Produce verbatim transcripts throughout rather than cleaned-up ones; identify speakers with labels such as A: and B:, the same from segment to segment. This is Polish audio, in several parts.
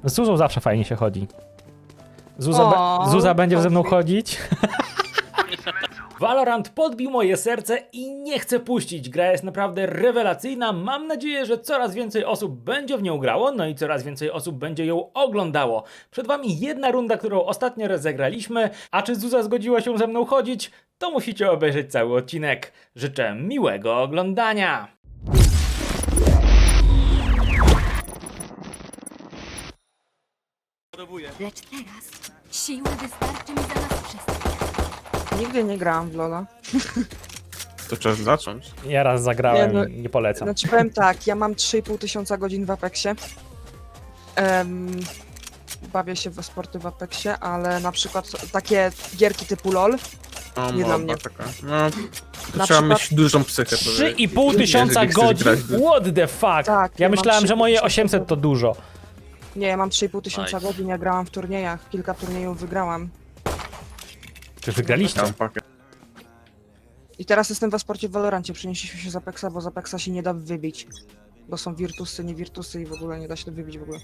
A: Z Zuzą zawsze fajnie się chodzi. Zuza,
B: O,
A: be, Zuza będzie ze mną
B: konflikt.
A: chodzić. Valorant podbił moje serce i nie chcę puścić. Gra jest naprawdę rewelacyjna. Mam nadzieję, że coraz więcej osób będzie w nią grało, no i coraz więcej osób będzie ją oglądało. Przed wami jedna runda, którą ostatnio rozegraliśmy, a czy Zuza zgodziła się ze mną chodzić? To musicie obejrzeć cały odcinek. Życzę miłego oglądania.
C: Lecz teraz siły wystarczy mi za nas wszystkich.
B: Nigdy nie grałam w Lola.
D: To czas zacząć.
A: Ja raz zagrałem,
B: Nie, no-
A: nie polecam.
B: Znaczy powiem tak, ja mam trzy i pół tysiąca godzin w Apexie. Em, bawię się we sporty w Apexie, ale na przykład takie gierki typu LOL,
D: O,
B: Nie dla
D: moba
B: mnie.
D: taka. No, to
B: Na
D: trzeba
B: przykład-
D: mieć dużą psychę.
A: trzy i pół tysiąca
D: jeżeli chcesz
A: godzin?
D: grać w-
A: What the fuck?
B: Tak,
A: ja
B: ja mam
A: myślałem, że
B: trzy i pół
A: moje
B: tysiąca
A: osiemset to dużo.
B: nie, ja mam trzy i pół tysiąca
E: Nice.
B: godzin, ja grałam w turniejach, kilka turniejów wygrałam.
A: Czy wygraliście?
D: Tam pakę.
B: I teraz jestem we sporcie w Valorancie, przenieśliśmy się z Apexa, bo z Apexa się nie da wybić. Bo są wirtusy, nie wirtusy i w ogóle nie da się to wybić w ogóle.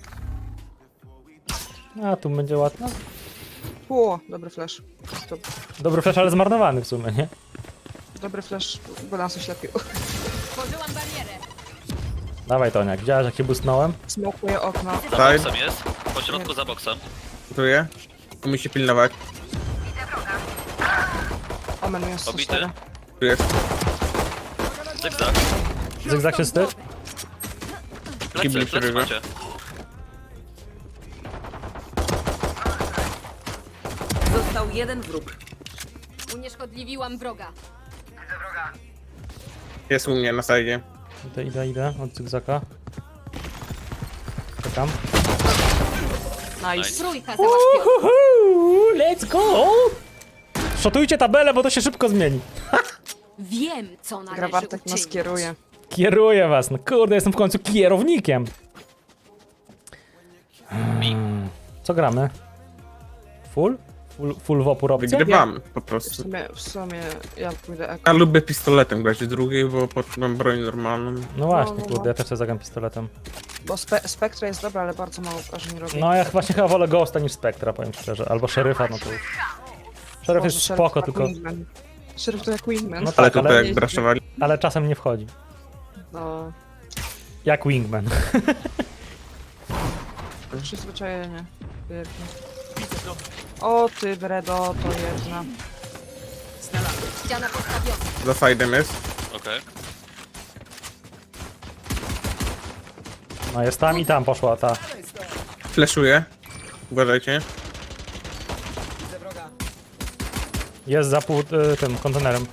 A: A, tu będzie ładno.
B: O, dobry flash. To,
A: Dobry flash, ale zmarnowany w sumie, nie?
B: dobry flash, bo nas oślepił.
C: Tworzyłam barierę.
A: Dawaj, Toniak, widziałeś jak się boostnąłem?
B: Smokuję okno.
E: Za
D: Side.
E: boksem jest. Po środku za boksem.
D: Gotuję. Tu musi pilnować.
B: Omen jest sto
E: Obity.
B: cztery.
D: Tu jest.
E: Zygzak.
A: Zygzak czysty?
E: Plecy,
D: Kibli
E: plecy
D: przebiega.
E: macie.
F: Został jeden wróg.
C: Unieszkodliwiłam wroga.
D: Jest u mnie na sajdzie.
A: Idę, idę, idę od Zygzaka. Czekam.
B: Nice.
C: Trójka załatwiona.
A: Uhu, let's go! Szotujcie tabelę, bo to się szybko zmieni.
C: Wiem, co należy
B: Gra Bartek nas
C: uczynić.
B: kieruje.
A: Kieruję was, no kurde, jestem w końcu kierownikiem. Hmm, Co gramy? Full? Full, full w opór opcja?
D: Wygrywamy po
B: W
D: prostu.
B: sumie, w sumie ja pójdę eko.
D: Ja lubię pistoletem grać w drugiej, bo potem mam broń normalną.
A: No właśnie,
B: No, no,
A: kurde,
B: no.
A: ja też sobie zagram pistoletem.
B: Bo spe Spectre jest dobra, ale bardzo mało wrażeń robi.
A: No ja właśnie chyba wolę Ghosta niż Spectra, powiem szczerze. Albo Szeryfa, no to już. Szeryf
B: Boże,
A: jest
B: Sheriff
A: spoko,
B: to
A: tylko...
B: Wingman. Sheriff to jak Wingman.
A: No
D: Ale
A: tak,
D: tutaj
A: ale,
D: jak braszowali.
A: ale czasem nie wchodzi.
B: No,
A: Jak Wingman.
B: przyzwyczajenie. Pięknie. O ty Bredo, to jedna.
C: Ściana postawiona.
D: Za side'em jest.
E: Okej.
A: No jest tam i tam poszła ta.
D: Fleszuję. Uważajcie.
A: Jest za pół y, tym kontenerem.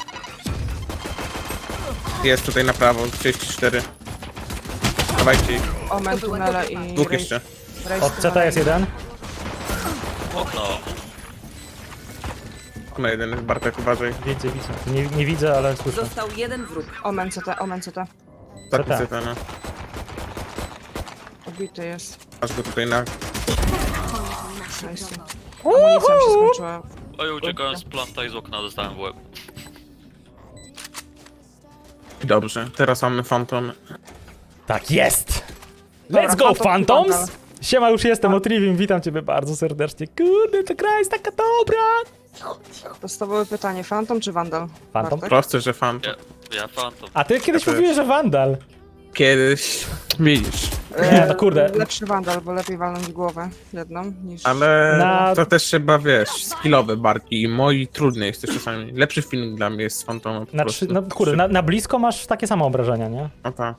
D: Jest tutaj na prawo. trzydzieści cztery. Dawajcie ich.
B: Omen, tunele i...
D: Dwóch
B: Raze-
D: jeszcze.
B: Raze
A: Od C T
B: tunele.
A: jest jeden.
E: Okno.
D: Na jeden jest Bartek, uważaj.
A: Widzę, widzę. Nie, nie widzę, ale słyszę.
F: Został jeden wróg.
B: Omen C T, Omen C T.
D: Taki
A: tak.
D: zeta, no.
B: Obity jest.
D: Masz go tutaj na...
B: Nice. Amunicja mi się skończyła.
E: Oj, uciekałem z planta i z okna dostałem w łeb.
D: Dobrze. Teraz mamy Phantom.
A: Tak jest!
B: Dobra,
A: Let's go,
B: Phantom
A: Phantoms!
B: Phantom.
A: Siema, już jestem, Otrivium, witam ciebie bardzo serdecznie. Kurde, ta gra jest taka dobra!
B: Podstawowe pytanie, Phantom czy Vandal?
A: Phantom.
B: Bartek?
D: Proste, że Phantom.
E: Ja, ja Phantom.
A: A ty kiedyś
D: Ja też.
A: mówiłeś, że Vandal.
D: Kiedyś... Widzisz.
A: Nie, no kurde.
B: Lepszy Vandal, bo lepiej walnąć głowę jedną niż...
D: Ale
A: Na-
D: to też trzeba, wiesz, skillowe barki i moi trudny jest też czasami. Lepszy film dla mnie jest z Phantomem po
A: Na
D: prostu.
A: trzy, no kurde, na, na blisko masz takie same obrażenia, nie?
D: No tak.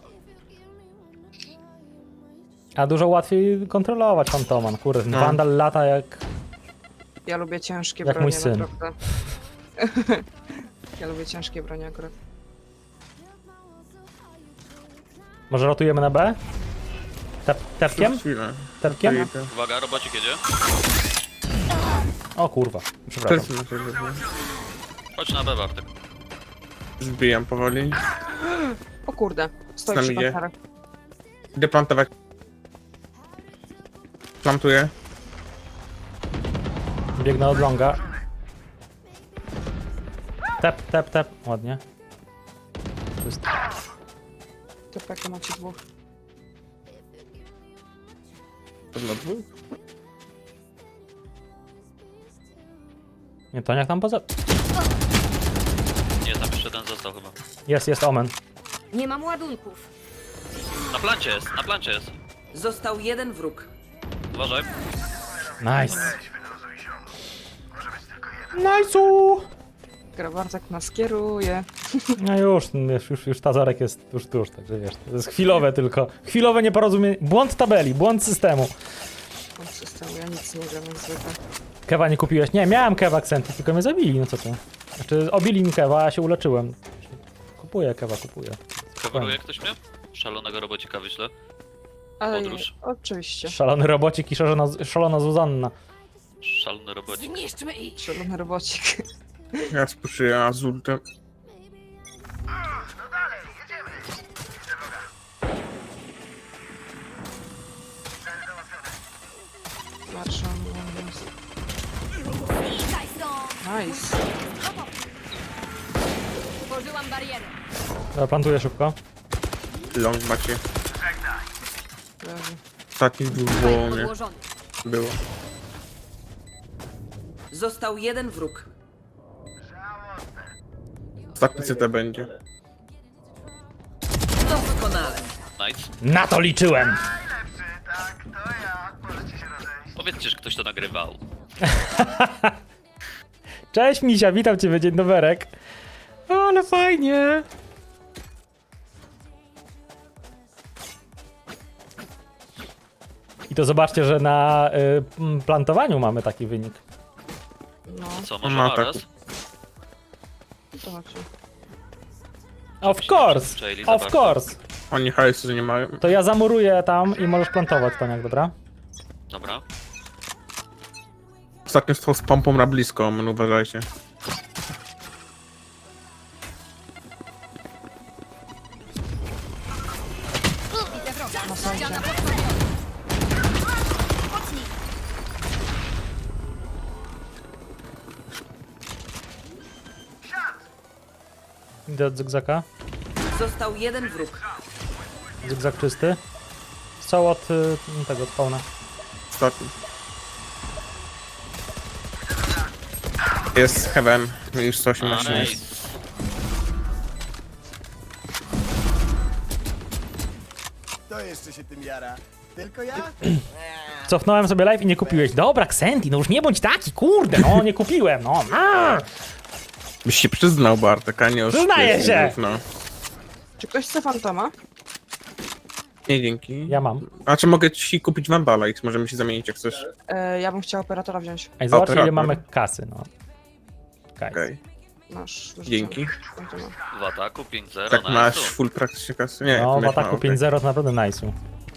A: A dużo łatwiej kontrolować Fantoman, kurde.
D: No.
A: Vandal lata jak...
B: Ja lubię ciężkie
A: Jak
B: bronie,
A: mój syn.
B: naprawdę. Ja lubię ciężkie bronie akurat.
A: Może rotujemy na B? Tep, tepkiem?
D: Chwilę.
A: Tepkiem?
E: Uwaga, robocik jedzie.
A: O kurwa,
D: To
A: przepraszam.
D: jest na tyle, że
E: Chodź na B, Bartek.
D: Zbijam powoli.
B: O kurde, stoi
D: Tam
B: przy
D: idzie.
B: kontarach.
D: Idę plantować. Plantuję.
A: Biegnę od longa. Tep, tep, tep. Ładnie. Czysto.
B: To peka macie dwóch.
D: pewno dwóch.
A: Nie, to jak tam poza...
E: Nie, tam jeszcze jeden został chyba.
A: Jest, jest Omen.
C: Nie mam ładunków.
E: Na plancie jest, na plancie jest.
F: Został jeden wróg.
E: Uważaj.
A: Nice. Nice'u!
B: Grabartek nas kieruje.
A: No już, już, już, już Tazorek jest tuż, tuż, także wiesz, to jest chwilowe tylko. Chwilowe nieporozumienie. Błąd tabeli, błąd systemu.
B: On systemu, ja nic nie gram jak zwykle.
A: Kewa nie kupiłeś? Nie, miałem Kewa Akcenty, tylko mnie zabili, no co ty. Znaczy, obili mi Kewa, a ja się uleczyłem. Kupuję Kewa, kupuję.
E: Coveruje ktoś mnie? Szalonego robocika wyślę.
B: Ale
E: Podróż.
B: oczywiście.
A: Szalony robocik i szalona, szalona Zuzanna.
E: Szalony robocik.
C: Zniszczmy ich.
B: Szalony robocik.
D: Ja spuszuję Azultem.
B: Marszal.
C: Znikaj stąd.
B: Nice.
C: Tworzyłam barierę.
A: Dobra, plantuję szybko.
D: Long macie.
B: Leży.
D: Ostatni dwóch było u mnie.
C: Podłożony.
D: Było.
F: Został jeden wróg.
D: Ostatni C T będzie.
F: Doskonale.
E: Nice.
A: Na to liczyłem!
E: Powiedzcie, że ktoś to nagrywał.
A: Cześć Misia, witam cię, dzień doberek. O, ale fajnie. I to zobaczcie, że na y, m, plantowaniu mamy taki wynik.
B: No,
E: Co, może
D: Ma
E: naraz?
D: taką.
B: to chodzi.
A: Of course,
E: Czyli za
A: of
E: bardzo.
A: course.
D: Oni hajsu nie mają.
A: To ja zamuruję tam i możesz plantować, Toniak, dobra?
E: Dobra.
D: Ostatnio stał z pompą na blisko, men uważajcie.
C: Widzę wroga.
B: Na sajcie.
C: Ściana podstawiona. Pocznij.
A: Idę od zygzaka.
F: Został jeden wróg.
A: Zygzak czysty. Strzał od y, tego, od spawna.
D: Ostatni. Jest Heaven. Już sto osiemnaście
E: Nice.
D: jest.
G: Kto jeszcze się tym jara? Tylko ja?
A: Cofnąłem sobie live i nie kupiłeś. Dobra, Xenti, no już nie bądź taki, kurde, no nie kupiłem, no. Arr!
D: Byś się przyznał, Bartek, a nie oszukujesz
A: Przyznaję się!
D: widzów, No.
B: Czy ktoś chce fantoma?
D: Nie, dzięki.
A: Ja mam.
D: A czy mogę ci kupić Vandala i możemy się zamienić jak chcesz?
B: E, ja bym chciała operatora wziąć.
A: Ej, zobacz ile
D: Operator.
A: mamy kasy, no. Okej.
D: Okej.
B: Masz. wyrzucam
D: Dzięki.
B: fantoma.
E: W ataku pięć zero.
D: Tak
E: nice.
D: masz full praktycznie kasy? Nie,
A: No,
D: ty
A: w
D: miałeś
A: ataku
D: mało,
A: pięć zero
D: okej.
A: to naprawdę nice'u.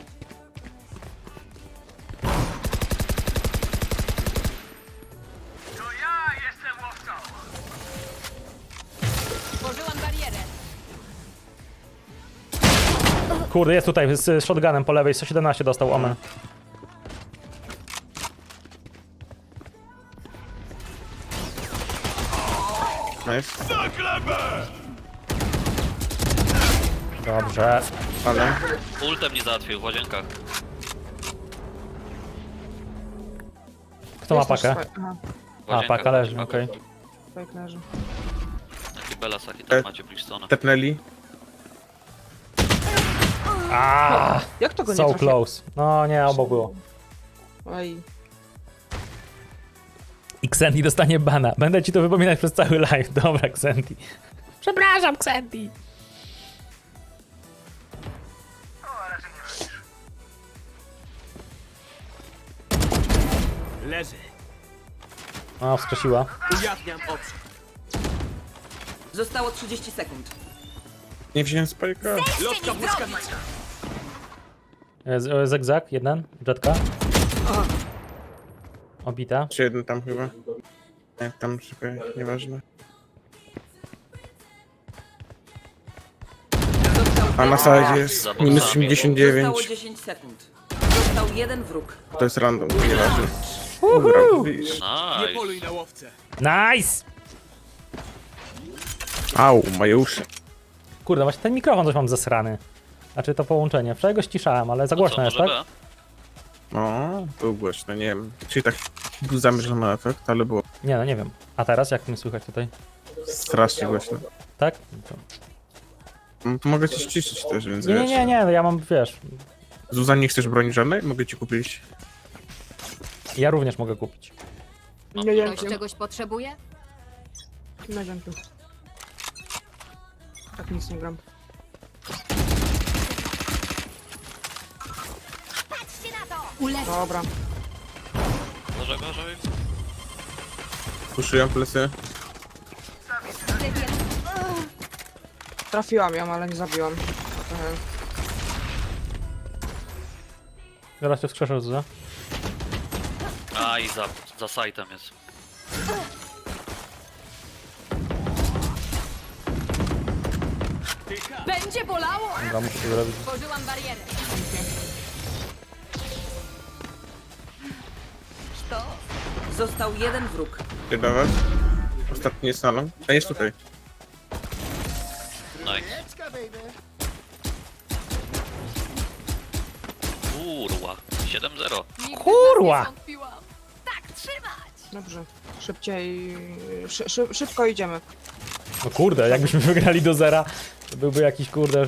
C: Tworzyłam barierę.
A: Kurde, jest tutaj z, z shotgunem po lewej, sto siedemnaście dostał Omen.
D: Nice.
A: Dobrze.
D: Ale
E: Ultem nie załatwił w łazienkach.
A: Kto ma
B: Jest też
A: pakę?
B: swoje- Aha,
E: W
A: A,
E: łazienkach
A: paka leży,
E: macie
A: okej.
E: pakę.
B: fake leży.
E: Taki Belas, jaki tam
D: E-
E: macie Bridgestone.
D: tepnęli.
A: Aaa,
B: Jak to go nie
A: so
B: trafiło?
A: close. No nie, obok było.
B: Oj.
A: I Xenti dostanie bana. Będę ci to wypominać przez cały live. Dobra, Xenti. Przepraszam, Xenti.
G: Leży.
A: O, wskrzesiła.
G: Ujawniam oczy.
F: Zostało trzydzieści sekund.
D: Nie wziąłem spajka.
G: Lotka błyskawica.
A: Z- e, Zygzak, jeden. Jetka. Obita.
D: Czy jeden tam chyba. Nie, tam czekaj, nieważne.
F: Został
D: A na
F: jeden
D: sadzie
F: wróg.
D: jest
E: Za
D: minus
E: boksami.
D: osiemdziesiąt
F: Zostało
D: dziewięć.
F: dziesięć sekund. Został jeden wróg.
D: To jest random, nieważne. Dobra, widzisz.
G: Nie
E: Nice.
G: poluj na łowcę.
A: Nice!
D: Au, moje uszy.
A: Kurde, właśnie ten mikrofon coś mam zesrany. Znaczy to połączenie. Wczoraj go ściszałem, ale za
E: To
A: głośno
E: co,
A: jest,
E: może
A: tak?
E: B?
D: No, był głośno, nie wiem. Czyli tak był zamierzony efekt, ale było
A: Nie no, nie wiem. A teraz jak mnie słychać tutaj?
D: strasznie głośno.
A: Tak?
D: No, to mogę cię ściszyć też, więc
A: Nie, nie,
D: wiesz.
A: nie, nie, ja mam, wiesz,
D: Zuzan, nie chcesz broni żadnej? Mogę ci kupić.
A: ja również mogę kupić.
B: Nie
C: Ktoś
B: dzięki.
C: czegoś potrzebuje?
B: Nie dzięki. Tak nic nie gram.
C: Ulecz.
B: Dobra.
E: Może gorzej?
D: Puszuję plecy.
B: Trafiłam ją, ale nie zabiłam. Trochę.
A: Zaraz cię wskrzeszę, Zuza.
E: A i za, za sajtem jest.
C: Będzie bolało!
A: Dobra, muszę to zrobić.
C: Tworzyłam barierę.
F: Został jeden wróg.
D: Idę do was. Ostatni jest salon. A jest tutaj.
E: Nice.
G: Leczka, baby.
E: Kurwa. siedem zero.
C: Nigdy
A: Kurwa!
C: w nas nie wątpiłam. Tak trzymać!
B: Dobrze. Szybciej. Szy, szy, szybko idziemy.
A: No kurde, jakbyśmy wygrali do zera, to byłby jakiś kurde...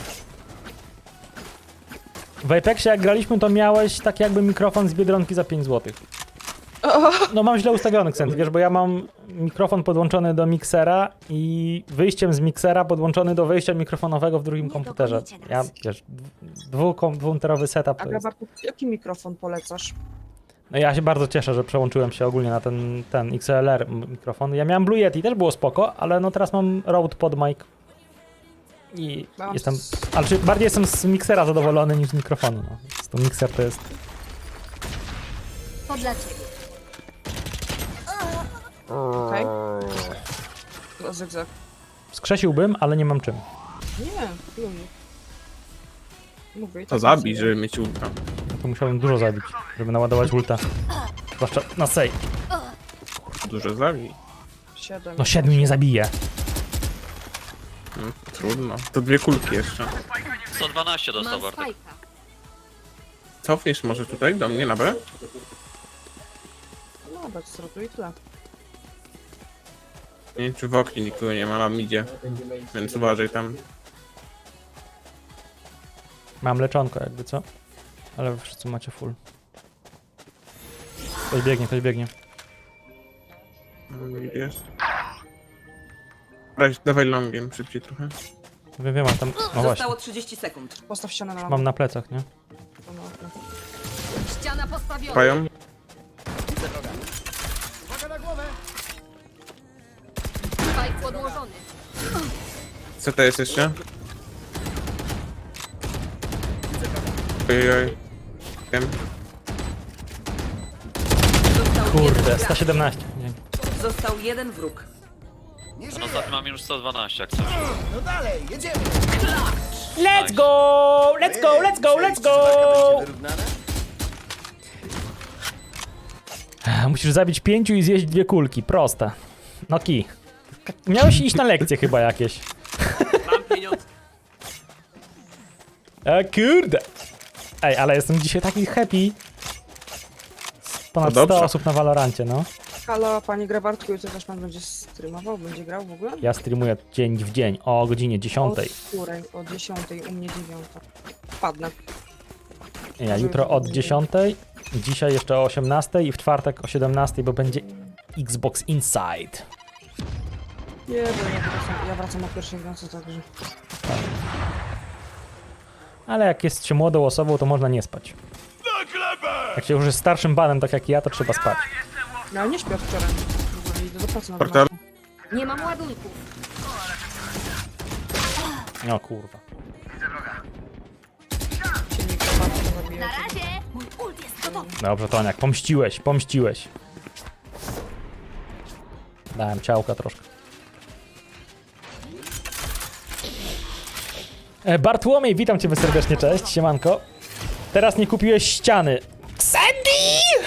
A: W Apexie jak graliśmy, to miałeś tak jakby mikrofon z Biedronki za pięć złotych. No mam źle ustawiony akcent, wiesz, bo ja mam mikrofon podłączony do miksera i wyjściem z miksera podłączony do wejścia mikrofonowego w drugim
C: Nie
A: komputerze.
C: dogonicie
A: Ja,
C: nas.
A: wiesz, dwukomputerowy setup
B: A
A: to jest...
B: Grabarku, jaki mikrofon polecasz?
A: No ja się bardzo cieszę, że przełączyłem się ogólnie na ten, ten X L R mikrofon. Ja miałem Blue Yeti, też było spoko, ale no teraz mam Rode PodMic. I
B: Mam
A: jestem...
B: s-
A: Ale czy bardziej jestem z miksera zadowolony niż z mikrofonu, no. To mikser to jest...
C: To dla ciebie.
B: Okej. Okay. Zygzak.
A: Skrzesiłbym, ale nie mam czym.
B: Nie, lubię. Mówię i
D: To
B: tak
D: zabij,
B: nic
D: żeby mieć ultra.
A: No to musiałbym dużo zabić, żeby naładować ulta. Zwłaszcza na sej.
D: Dużo zabij.
B: nie- Siedem.
A: No siedmiu nie zabije.
D: Hmm, trudno. To dwie kulki jeszcze.
E: sto dwanaście dostał
C: Mam
E: Bartek.
C: spajka.
D: Cofniesz może tutaj do mnie na B?
B: No, bez srotu i tyle.
D: Nie wiem, czy w oknie nikogo nie ma, mam idzie. Więc uważaj tam.
A: Mam leczonko jakby, co? Ale wy wszyscy macie full. Ktoś biegnie, ktoś biegnie.
D: Mm, Jest. Dawaj, dawaj longiem szybciej trochę.
A: Wiem, wiem, mam tam... No właśnie.
F: Zostało trzydzieści sekund.
B: Postaw ścianę na
A: Mam na plecach, nie?
B: lampę.
C: Ściana postawiona.
D: Pają.
G: Uwaga na głowę.
C: Spajk podłożony.
D: Co to jest jeszcze? Ojoj. Wiem.
F: Został jeden
A: Kurde,
F: gracz.
A: sto siedemnaście. Nie.
F: Został jeden wróg.
G: Nie
E: No
G: żyje.
E: ostatni mam już sto dwanaście, jak coś.
G: No dalej, jedziemy.
A: Let's go! Let's go, let's go, let's go!
G: Walka będzie wyrównana?
A: Musisz zabić pięciu i zjeść dwie kulki. Proste. No ki. K- Miałeś iść na lekcje chyba jakieś.
F: Mam pieniądze.
A: A kurde. Ej, ale jestem dzisiaj taki happy. Ponad
D: No dobrze.
A: sto osób na Valorancie, no.
B: Halo, panie Grabartku, jutro też pan będzie streamował? Będzie grał w ogóle?
A: Ja streamuję dzień w dzień o godzinie dziesiątej.
B: O której? O dziesiątej, u mnie dziewiąta. Wpadnę.
A: Ja jutro od dziesiątej, dzisiaj jeszcze o osiemnastej i w czwartek o siedemnastej, bo będzie Xbox Inside.
B: Nie, bo ja wracam, ja wracam o pierwszej w nocy, także...
A: Ale jak jest się młodą osobą, to można nie spać. Jak się już jest starszym panem, tak jak ja, to trzeba spać.
B: Ja nie śpię od wczoraj. W ogóle idę do pracy na
D: Portal.
B: dwunastą.
C: Nie mam ładunków.
A: No kurwa.
B: Silnik Grabartku zabija.
C: Na razie! Mój ult jest gotowy.
A: Dobrze, Toniak, pomściłeś, pomściłeś. Dałem ciałka troszkę. E, Bartłomiej, witam cię serdecznie, cześć, siemanko. Teraz nie kupiłeś ściany. Sandy!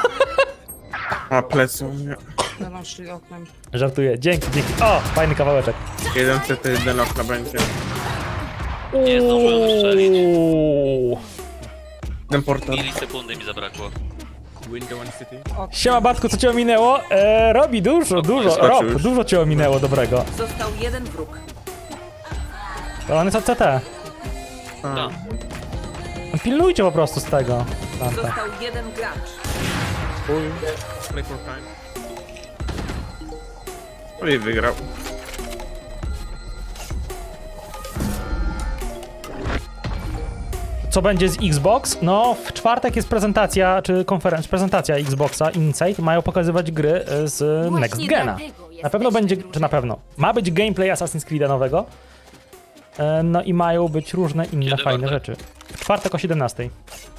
D: A plecy u mnie.
B: Będą szli oknem.
A: Żartuję, dzięki, dzięki. O, fajny kawałeczek.
D: Jeden C T, jeden okna będzie.
E: Nie zdążyłem strzelić.
A: Uuu.
D: Ten portal.
E: Milisekundy mi zabrakło.
D: Window and City.
A: Siema Bartku, co cię ominęło? E, robi dużo, dużo,
D: skoczył
A: Rob,
D: już.
A: dużo cię ominęło dobrego.
F: Został jeden wróg.
A: To on jest od C T.
E: Tak.
A: Pilnujcie po prostu z tego. Dante.
F: Został jeden gracz.
D: Play for time. No i wygrał.
A: Co będzie z Xbox? No, w czwartek jest prezentacja, czy konferencja, prezentacja Xboxa Insight. Mają pokazywać gry e, z
C: Właśnie
A: Next Gena.
C: dlatego
A: Na pewno
C: jesteśmy
A: będzie, czy na pewno, ma być gameplay Assassin's Creed'a nowego. E, No i mają być różne inne
E: Kiedy
A: fajne
E: Bartek?
A: rzeczy. W czwartek o siedemnastej.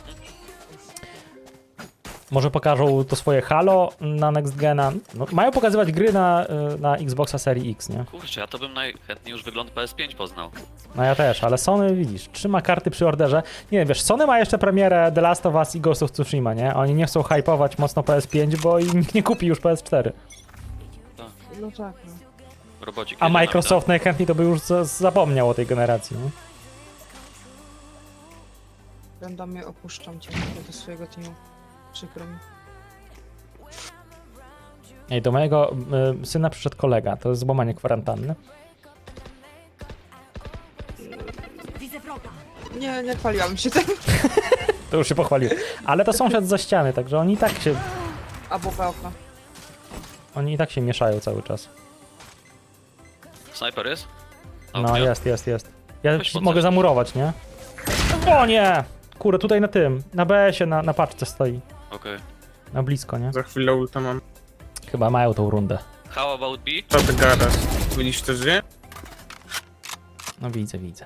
A: Może pokażą to swoje Halo na Next Gena. No, mają pokazywać gry na, e, na Xboxa Serii X, nie?
E: Kurczę, ja to bym najchętniej już wygląd P S pięć poznał.
A: No ja też, ale Sony, widzisz, trzyma karty przy orderze. Nie wiem, wiesz, Sony ma jeszcze premierę The Last of Us i Ghost of Tsushima, nie? Oni nie chcą hypować mocno P S pięć, bo im nikt nie kupi już P S cztery.
B: No tak, no.
E: Robocik
A: A
E: jedzie na
A: Microsoft najchętniej to by już za- zapomniał o tej generacji, nie?
B: Randomie opuszczam cię do swojego teamu. Przykro mi.
A: Ej, do mojego y, syna przyszedł kolega, to jest złamanie kwarantanny.
C: Widzę wroga.
B: Nie, nie chwaliłam się tym.
A: To już się pochwalił. Ale to sąsiad za ściany, także oni i tak się,
B: Albo w okno.
A: oni i tak się mieszają cały czas.
E: Snajper jest? A,
A: No
E: nie?
A: jest, jest, jest. Ja
E: Weź
A: ci
E: podsadź.
A: mogę zamurować, nie? O nie! Kurde, tutaj na tym, na B S-ie, na, na paczce stoi.
E: Okej.
A: Na blisko, nie?
D: Za chwilę ulta mam.
A: Chyba mają tą rundę.
E: How about B?
D: Co ty gadasz? Widzisz to żyje?
A: No widzę, widzę.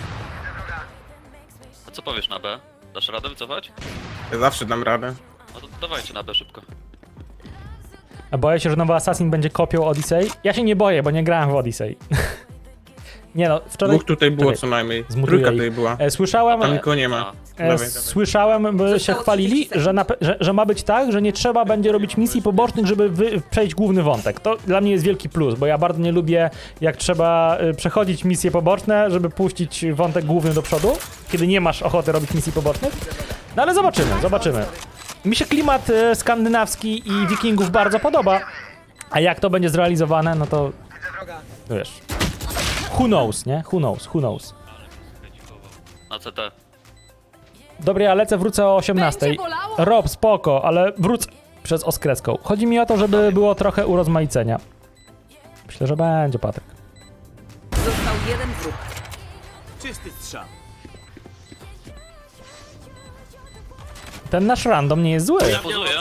E: A co powiesz na B? Dasz radę wycofać?
D: Ja zawsze dam radę.
E: No to dawajcie na B szybko.
A: A boję się, że nowy Assassin będzie kopią Odyssey. Ja się nie boję, bo nie grałem w Odyssey. Nie no, wczoraj...
D: Dwóch tutaj było
A: Czekaj,
D: co najmniej.
A: zmutuję
D: Trójka
A: ich.
D: tutaj była.
A: E, Słyszałem...
D: Tam nikogo nie ma.
E: A,
A: E,
D: Dawaj, dawaj.
A: Słyszałem, by się
F: Zostało
A: chwalili,
F: trzydzieści sekund.
A: że, na, pe- że, że ma być tak, że nie trzeba będzie robić misji pobocznych, żeby wy, przejść główny wątek. To dla mnie jest wielki plus, bo ja bardzo nie lubię, jak trzeba y, przechodzić misje poboczne, żeby puścić wątek główny do przodu, kiedy nie masz ochoty robić misji pobocznych. No ale zobaczymy, zobaczymy. Mi się klimat y, skandynawski i wikingów bardzo podoba, a jak to będzie zrealizowane, no to wiesz. Who knows, nie? Who knows, who knows.
E: na C T.
A: Dobra, ja lecę, wrócę o osiemnastej.
C: Będzie bolało?
A: Rob, spoko, ale wrócę przez oskreską. Chodzi mi o to, żeby było trochę urozmaicenia. Myślę, że będzie, Patryk.
F: Został jeden wróg.
G: Czysty strzał.
A: Ten nasz random nie jest zły.
E: Pozuję.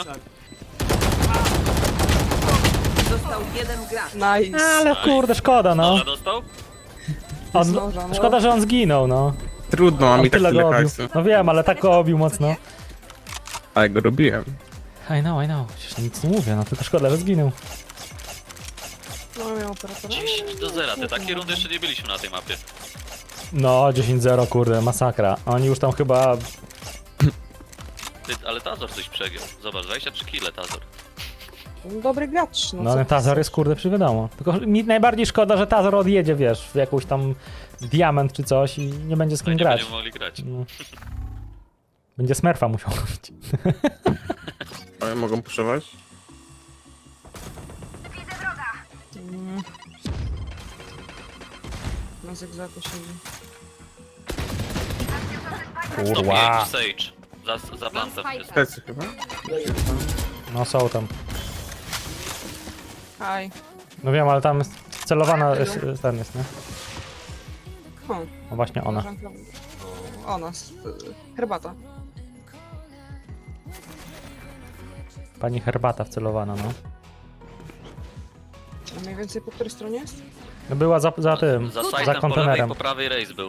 F: Został jeden gracz.
B: Nice.
A: Ale kurde, szkoda, no.
E: Dobra, dostał?
A: On,
B: Zdąża, no.
A: szkoda, że on zginął, no.
D: Trudno, mam
A: On
D: i tak
A: tyle
D: tyle
A: go obił.
D: hajsu.
A: No wiem, ale tak go obił mocno.
D: Ale go robiłem.
A: I know, I know. Przecież nic nie mówię, no tylko szkoda, że zginął.
B: No, miał operatora.
E: dziesięć do zera. Te takie rundy jeszcze nie byliśmy na tej mapie.
A: No, dziesięć zero, kurde, masakra. Oni już tam chyba...
E: Ty, ale Tazor coś przegiął. Zobacz, dwadzieścia trzy kile Tazor.
B: Dobry gracz. No,
A: No
B: co
A: ale
B: ty
A: Tazor
B: chcesz?
A: jest, kurde, przywiadomo. Tylko mi najbardziej szkoda, że Tazor odjedzie, wiesz, w jakąś tam diament czy coś i nie będzie z
E: No
A: kim
E: i nie
A: grać.
E: będziemy mogli grać.
A: No. Będzie Smurfa musiał robić.
D: Ale mogą puszować?
B: Mm. Na zygzaku siedzi.
E: sto
A: Kurwa.
E: pięć Sage. Za, za plantem jest.
D: Plecy chyba?
A: No są tam.
B: Aj.
A: No wiem, ale tam celowana jest, jest ten jest, nie?
B: O,
A: No właśnie ona.
B: koleżanka- Ona. s- y, Herbata.
A: Pani Herbata wcelowana, no.
B: A mniej więcej po której stronie jest?
A: No była za, za tym,
E: Za
A: za
E: sajtem po lewej,
A: kontenerem.
E: po prawej rejs był.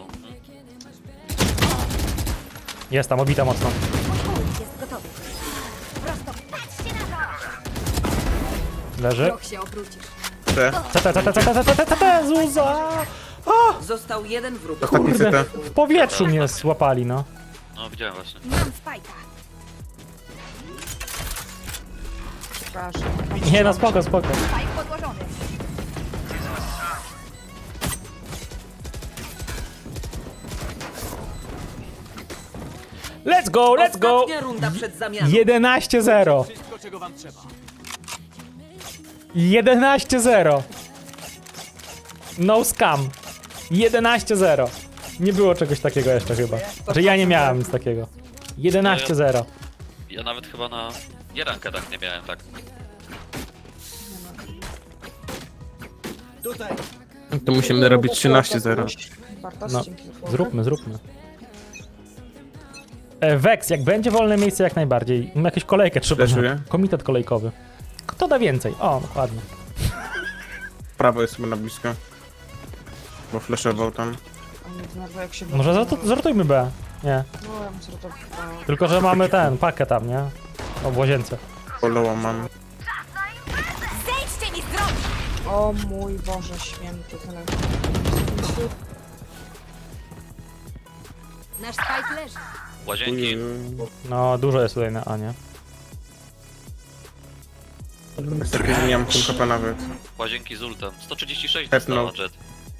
A: Jest tam, obita mocno.
C: Jest gotowy. Prosto, patrzcie na to!
A: Leży.
C: Proch się obrócisz.
D: C.
A: C T, C T, C T, C T, C T, C T, Zuza!
F: Został jeden wróg.
D: Ostatni C
A: Kurde,
D: T.
A: w powietrzu mnie złapali, no.
E: No widziałem właśnie.
C: Mam spajka.
B: Przepraszam.
A: Nie no, spoko, spoko.
C: Spajk podłożony.
A: Let's go, let's go!
F: Ostatnia runda przed zamianą.
A: jedenaście zero. jedenaście zero. No scam. jedenaście zero. Nie było czegoś takiego jeszcze chyba. Znaczy ja nie miałem nic takiego. jedenaście zero.
E: Ja nawet chyba na Jerankedach nie miałem tak.
G: Tutaj.
D: To musimy robić trzynaście zero.
B: Bartosz,
A: No,
B: dzięki.
A: zróbmy, zróbmy. E, Vex, jak będzie wolne miejsce, jak najbardziej. Mam jakąś kolejkę trzeba.
D: Flashuję.
A: Komitet kolejkowy. Kto da więcej? O, dokładnie.
D: Prawo jest chyba na blisko. Bo flashował tam.
B: A mnie denerwuje, jak się
A: Może zart- zartujmy B. Nie.
B: No, ja bym sobie to... a,
A: Tylko, że mamy ten, pakę tam, nie? O, w łazience.
D: Poloła mam.
C: Zejdźcie mi z drogi!
B: O mój Boże święty, tyle.
C: Nasz spike leży.
E: Łazienki.
A: No, dużo jest tutaj na A, nie?
D: Niestety nie mam full H P nawet.
E: Łazienki z ultem. sto trzydzieści sześć
D: Tepnął.
E: dostała Jet.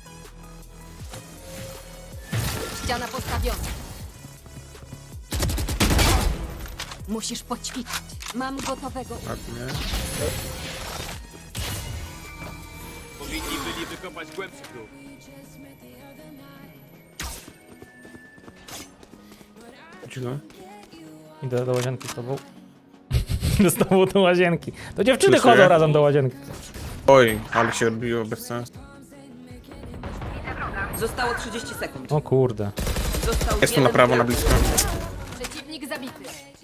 C: Ściana postawiona. Musisz poćwiczyć. Mam gotowego.
D: Ładnie. Cicho.
A: Idę do łazienki z tobą. z tobą do łazienki. To dziewczyny
D: Słyszę.
A: chodzą razem do łazienki.
D: Oj, ale się odbiło bez sensu.
F: Zostało trzydzieści sekund.
A: O kurde.
F: Został
D: Jest tu
F: jeden
D: na prawo, na
F: gracz.
D: blisko.
C: Przeciwnik zabity.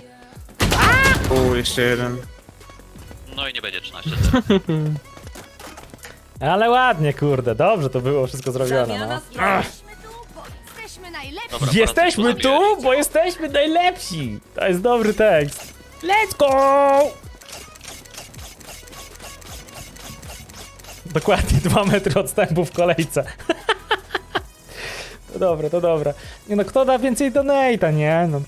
D: U, jeszcze jeden.
E: No i nie będzie trzynaście zero.
A: Ale ładnie, kurde. Dobrze to było wszystko zrobione, no.
F: Zamiana stron.
C: Jesteśmy tu, bo jesteśmy najlepsi.
E: Dobra,
A: Jesteśmy
E: Paradise
A: tu,
E: pozabijali.
A: bo jesteśmy najlepsi. To jest dobry tekst. Let's go! Dokładnie dwa metry odstępu w kolejce. To dobre, to dobre. Nie no, kto da więcej donate'a, nie? No.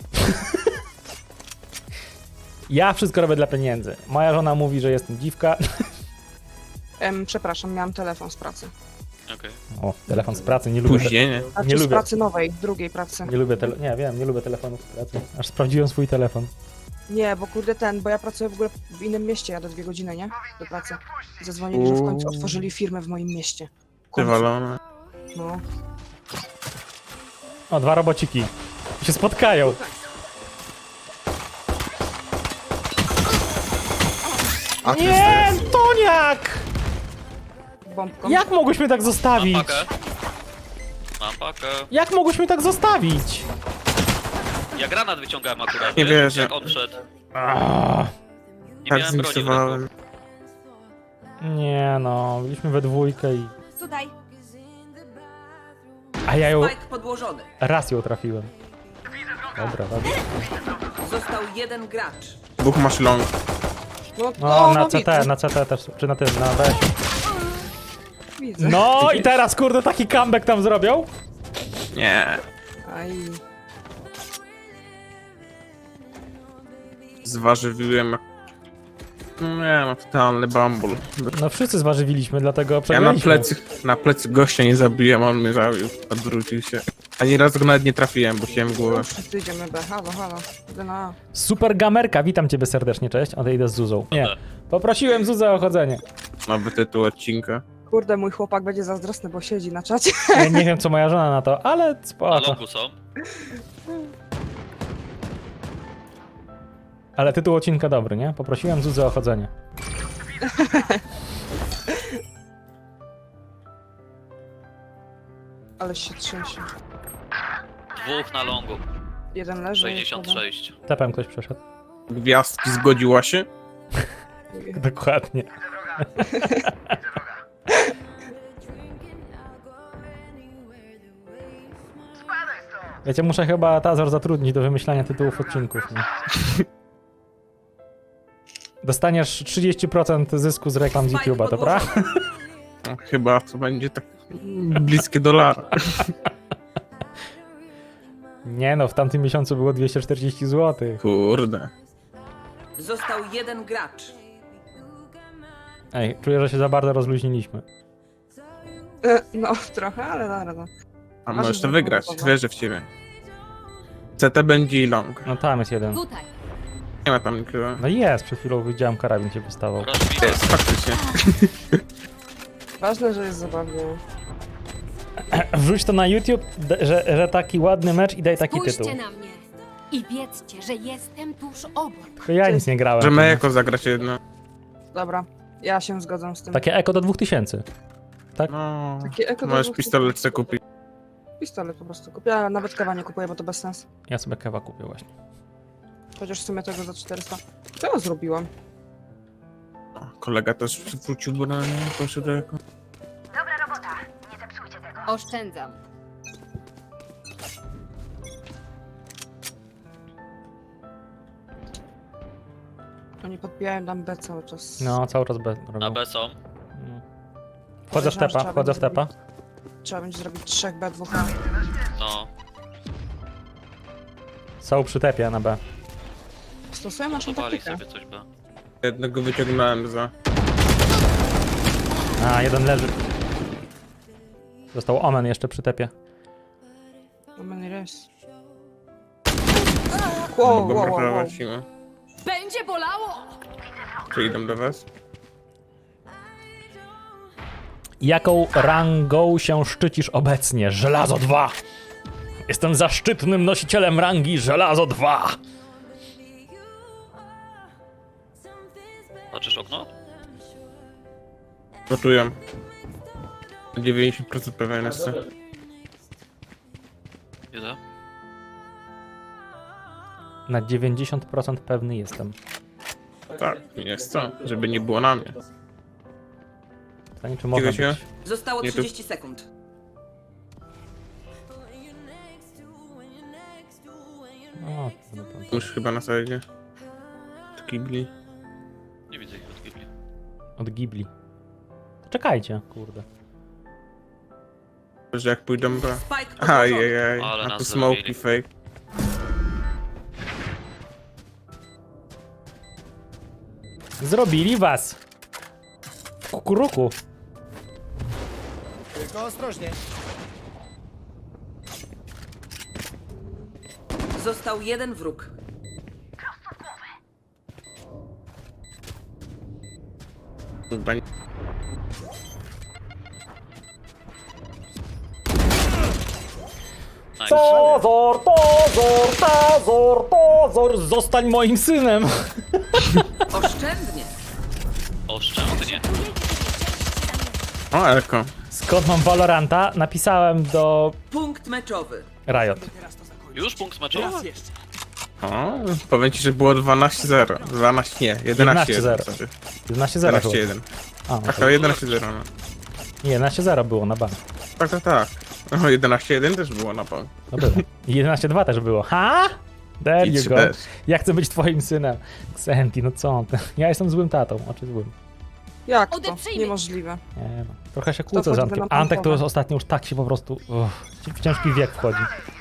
A: Ja wszystko robię dla pieniędzy. Moja żona mówi, że jestem dziwka.
B: Em, przepraszam, miałam telefon z pracy.
E: Okej.
A: O, telefon z pracy, nie lubię. Te-
D: Później, nie?
B: Znaczy
A: Nie
B: z
A: lubię.
B: pracy nowej, drugiej pracy.
A: nie lubię tele- Nie, wiem, nie lubię telefonów z pracy. Aż sprawdziłem swój telefon.
B: Nie, bo kurde ten, bo ja pracuję w ogóle w innym mieście, jadę dwie godziny, nie? Do pracy. Zadzwonili, że w końcu
D: Uuu.
B: otworzyli firmę w moim mieście. W końcu.
D: Wywalone.
B: No.
A: O, dwa robociki. Się spotkają.
D: A ty
A: Nie, Toniak!
B: Bombką.
A: Jak mogłyśmy tak
E: Mam
A: zostawić?
E: pakę. Mam pakę.
A: Jak mogłyśmy tak zostawić?
E: Ja granat wyciągałem akurat.
D: Nie
E: wiesz,
D: wierzę.
E: Jak on wszedł.
A: Ah,
E: Nie
D: tak
E: miałem broni w ręku.
D: zmiksowałem.
A: nie no, byliśmy we dwójkę i...
C: Tutaj.
A: A ja ją...
F: Spike podłożony.
A: Raz ją trafiłem. Dobra, dobra.
F: Został jeden gracz.
D: Dwóch masz long.
B: No,
A: No, na
B: no,
A: C T,
B: widzę,
A: na C T też, czy na tym, na B.
B: widzę.
A: No i teraz kurde taki comeback tam zrobią?
D: Nie.
B: Aj.
D: Zważywiłem jak... Nie, no totalny bambul.
A: No wszyscy zważywiliśmy, dlatego
D: Ja na
A: przegraliśmy.
D: plecy, na plecy gościa nie zabiłem, on mnie zabił. Odwrócił się. Ani razu go nawet nie trafiłem, bo chciałem w głowę.
B: No, wszyscy idziemy B, halo, halo. Idę na A.
A: Super Gamerka, witam ciebie serdecznie, cześć. Odejdę z Zuzą. Nie, poprosiłem Zuzę o chodzenie.
D: Nowy tytuł odcinka.
B: Kurde, mój chłopak będzie zazdrosny, bo siedzi na czacie.
A: Ja nie wiem co moja żona na to, ale
E: Na
A: spoko.
E: longu są.
A: Ale tytuł odcinka dobry, nie? Poprosiłem Zuzę o chodzenie.
B: Ale się trzęsie.
E: Dwóch na longu.
B: Jeden leży.
E: sześćdziesiąt sześć.
A: Tepem ktoś przeszedł.
D: Gwiazdki zgodziła się?
B: jeden-
A: Dokładnie. Wiecie, muszę chyba Tazor zatrudnić do wymyślania tytułów odcinków. Nie? Dostaniesz trzydzieści procent zysku z reklam z
F: Spike
A: YouTube'a, dobra?
F: podłożony.
D: No, chyba to będzie tak bliskie dolara.
A: Nie no, w tamtym miesiącu było dwieście czterdzieści złotych.
D: Kurde.
F: Został jeden gracz.
A: Ej, czuję, że się za bardzo rozluźniliśmy.
B: E, No, trochę, ale dobra. No.
D: A
B: Masz
D: możesz to
B: drugą
D: wygrać,
B: gotowa.
D: wierzę w ciebie. C T będzie i long.
A: No tam jest jeden.
C: Tutaj.
D: Nie ma tam nikogo.
A: No jest, przed chwilą widziałem karabin się wystawał.
E: Rozbita.
D: Jest, faktycznie.
B: Ważne, że jest zabawnie.
A: Wrzuć to na YouTube, d- że, że taki ładny mecz i daj taki tytuł.
C: Spójrzcie na mnie. I wiedzcie, że jestem tuż obok.
A: Tylko ja nic nie grałem.
D: Możemy jako zagrać jedno.
B: Dobra, ja się zgadzam z tym.
A: Takie eko do dwóch tysięcy.
D: No,
B: Takie eko
D: możesz
B: do-
D: pistolet sobie kupić.
B: Pistolet po prostu kupię, ja nawet kawa nie kupuję, bo to bez sensu.
A: Ja sobie kewa kupię właśnie.
B: Chociaż w sumie tego za czterysta. Co ja zrobiłam?
D: Kolega też wrócił, bo na nie poszedł jako.
C: Oszczędzam.
B: Oni podbijają nam B cały czas.
A: No, cały czas bez
E: Na
A: robią.
E: B są.
A: No. Wchodzę w tepa, wchodzę w tepa.
B: Trzeba będzie zrobić trzech B, dwóch A.
E: No.
A: Są przy tepie na B.
B: Stosują naszą
E: Zobali
B: taktykę.
E: sobie coś B.
D: Jednego wyciągnąłem za.
A: A, jeden leży. Został Omen jeszcze przy tepie.
B: No many res. Wow,
D: Mogą
B: wow, wow, wow.
D: brakować siły.
C: Będzie bolało!
D: Czy idą do was?
A: Jaką rangą się szczycisz obecnie? Żelazo dwa! Jestem zaszczytnym nosicielem rangi Żelazo dwa!
E: Patrzysz okno?
D: Gotuję. dziewięćdziesiąt procent pewien jestem.
E: Ile?
A: Na dziewięćdziesiąt procent pewny jestem.
D: Tak, jest co, żeby nie było na mnie.
A: Pytanie, czy można
D: Cicho się?
A: być.
F: Zostało
D: Nie, tu-
F: trzydzieści sekund.
A: O, to- to- to-
D: Już chyba na sajdzie. Od kibli.
E: Nie widzę ich od Ghibli.
A: Od Ghibli. Czekajcie, kurde.
D: Że jak pójdą B.
F: Spike podłożony.
D: Ajajaj,
E: Ale
D: a
E: nas
D: tu smoki
E: zrobili.
D: fake.
A: Zrobili was! W kukuruku.
G: Tylko ostrożnie.
F: Został jeden wróg.
D: Chyba nie-
E: Nice.
A: Tozor, Tozor, Tozor, Tozor, zostań moim synem!
F: Oszczędnie.
E: Oszczędnie.
D: O, Elko.
A: Skąd mam Valoranta? Napisałem do
F: Punkt meczowy.
A: Riot.
E: Już punkt meczowy?
D: O, powiem ci, że było dwanaście zero. dwanaście, nie, jedenaście jeden.
A: jedenaście zero. jedenaście zero
D: jedenaście jeden.
A: A, no
D: Tak,
A: to
D: to jedenaście zero. No.
A: nie, jedenaście zero było na bank.
D: Tak, tak, tak. O, jedenaście jeden też było na bank.
A: No było. I jedenaście dwa też było. Ha? There
D: I
A: you
D: trzy
A: go.
D: też.
A: Ja chcę być twoim synem. Xenti, no co ty? Ja jestem złym tatą, oczy złym.
B: Jak to?
C: Odeprzyjmy.
B: Niemożliwe.
A: Nie no. Trochę się kłócę z
B: wchodzi
A: Antek.
B: na
A: Antek to
B: pompowe?
A: już ostatnio już tak się po prostu uff, w ciężki wiek wchodzi.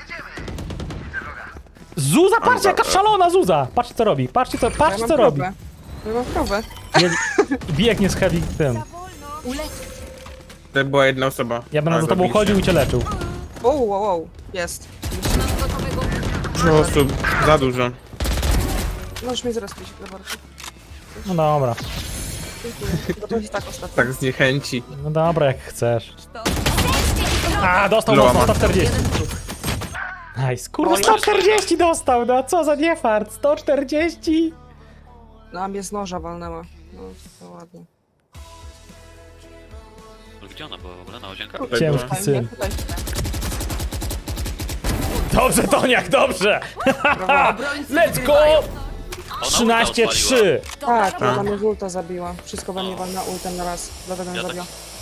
A: Zuza, patrzcie jaka szalona Zuza! Patrzcie co robi, patrzcie co,
B: Ja
A: patrzcie
B: mam
A: co robi.
B: krowę. Ja mam krowę.
A: Je, biegnie z heavy tym.
C: Ulecz.
D: To była jedna osoba.
A: Ja będę
D: Ale
A: za tobą
D: zabiliście.
A: chodził i cię leczył.
B: Wow, wow, wow. Jest.
C: Mam gotowego.
D: Dużo osób, za dużo.
B: Możesz mnie zaraz pić, Lebarku.
A: No dobra,
B: Dziękuję. Bo to jest tak ostatnio.
D: Tak zniechęci.
A: no dobra jak chcesz. A, dostał
D: Loa
A: mocno,
D: ma.
A: sto czterdzieści.
F: Jeden wróg.
A: Nice, kurwa sto czterdzieści dostał, no co za niefart, sto czterdzieści.
B: No, a mnie z noża walnęła. No, to ładnie.
E: Gdzie ona była w ogóle? Na łazienkę?
D: Tutaj
A: Ciężki
D: była.
A: syn.
B: Tutaj.
A: Dobrze Toniak, dobrze.
F: Obrońcy
A: Let's go!
F: wygrywają.
E: Ona
A: trzynaście
E: ulta odpaliła.
A: trzy.
B: Tak, ona mnie z ulta zabiła. Wszystko we mnie walna ultem na raz. Dlatego ją
E: Ja tak
B: zabiła.